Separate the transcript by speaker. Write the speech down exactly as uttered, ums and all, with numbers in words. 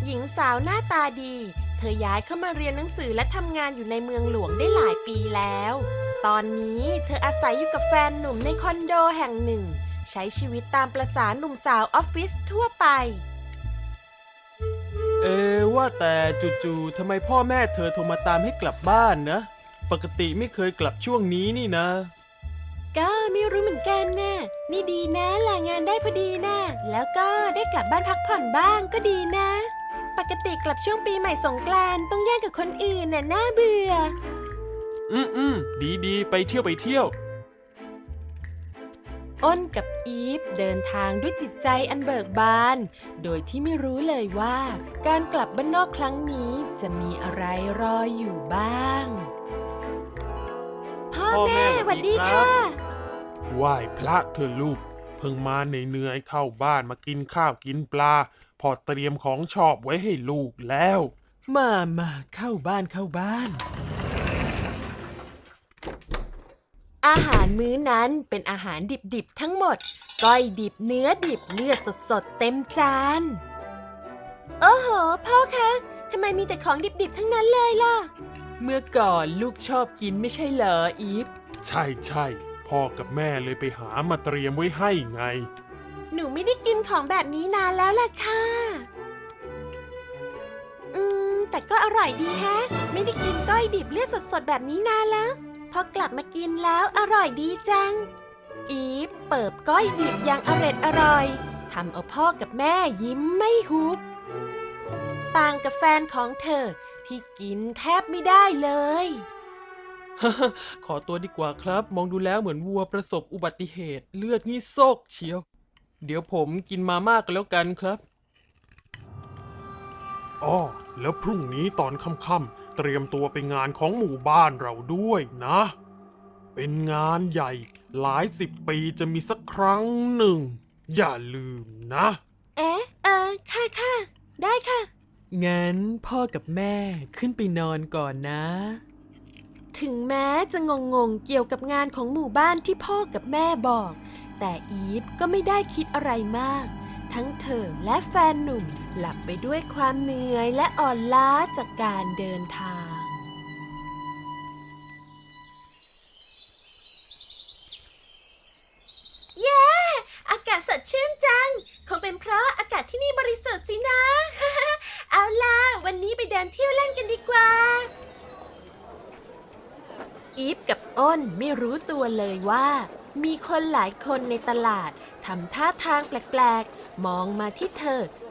Speaker 1: หญิงสาวหน้าตาดี เธอย้ายเข้ามาเรียนหนังสือและทำงานอยู่ในเมืองหลวงได้หลายปีแล้ว ตอนนี้เธออาศัยอยู่กับแฟนหนุ่มในคอนโดแห่งหนึ่ง ใช้ชีวิตตามประสาหนุ่มสาวออฟฟิศทั่วไป
Speaker 2: เอว่าแต่จู่ๆทำไมพ่อแม่เธอโทรมาตามให้กลับบ้านนะปกติไม่เคยกลับช่วงนี้นี่นะ
Speaker 1: ก็ไม่รู้เหมือนกันนะ นี่ดีนะลางานได้พอดีนะ แล้วก็ได้กลับบ้านพักผ่อนบ้างก็ดีนะ ปกติกลับช่วงปีใหม่สงกรานต์ต้องแย่งกับคนอื่นน่ะน่าเบื่อ
Speaker 2: อืมอืมดีดีไปเที่ยวไปเที่ยว
Speaker 1: อ้นกับอีฟเดินทางด้วยจิตใจอันเบิกบาน โดยที่ไม่รู้เลยว่าการกลับบ้านนอกครั้งนี้จะมีอะไรรออยู่บ้าง พ่อ
Speaker 2: พ่อแม่
Speaker 1: แม่ห
Speaker 2: สวั
Speaker 1: วัด
Speaker 2: สดี
Speaker 1: ดี
Speaker 2: ครับ
Speaker 1: ค่ะ
Speaker 3: ไหว้พระเธอลูกเพิ่งมาเหนื่อยๆเข้าบ้านมากินข้าวกินปลาพอเตรียมของชอบไว้ให้ลูกแล้ว
Speaker 2: มามาเข้าบ้านเข้าบ้าน
Speaker 1: อาหารมื้อนั้นเป็นอาหารดิบๆทั้งหมด ก้อยดิบเนื้อดิบเลือดสดๆเต็มจาน โอ้โห พ่อคะทำไมมีแต่ของดิบๆทั้งนั้นเลยล่ะ
Speaker 2: เมื่อก่อนลูกชอบกินไม่ใช่เหรออีฟ
Speaker 3: ใช่ใช่พ่อกับแม่เลยไปหามาเตรียมไว้ให้ไง
Speaker 1: หนูไม่ได้กินของแบบนี้นานแล้วล่ะค่ะ อืม แต่ก็อร่อยดีแฮะ ไม่ได้กินก้อยดิบเลือดสดๆแบบนี้นานแล้ว พอกลับมากินแล้วอร่อยดีจัง อีฟเปิบก้อยดิบอย่างอร็ดอร่อยทำเอาพ่อกับแม่ยิ้มไม่หุบ ต่างกับแฟนของเธอที่กินแทบไม่ได้เลย
Speaker 2: ขอตัวดีกว่าครับ มองดูแล้วเหมือนวัวประสบอุบัติเหตุเลือดนี่โซกเชียว เดี๋ยวผมกินมามากกันแล้วกันครับ
Speaker 3: อ้อแล้วพรุ่งนี้ตอนค่ำๆเตรียมตัวไปงานของหมู่บ้านเราด้วยนะ เป็นงานใหญ่หลายสิบปีจะมีสักครั้งหนึ่ง อย่าลืมนะ
Speaker 1: เอ๊ะ เออ ค่ะค่ะ ได้ค่ะ
Speaker 2: งั้นพ่อกับแม่ขึ้นไปนอนก่อนนะ
Speaker 1: ถึงแม้จะงงๆเกี่ยวกับงานของหมู่บ้านที่พ่อกับแม่บอก แต่อีฟก็ไม่ได้คิดอะไรมาก ทั้งเธอและแฟนหนุ่มหลับไปด้วยความเหนื่อยและอ่อนล้าจากการเดินทาง เย้ อากาศสดชื่นจัง คงเป็นเพราะอากาศที่นี่บริสุทธิ์สินะ เอาล่ะ วันนี้ไปเดินเที่ยวเล่นกันดีกว่า อีฟกับอ้นไม่รู้ตัวเลยว่า มีคนหลายคนในตลาดทำท่าทางแปลกๆ มองมาที่เธอ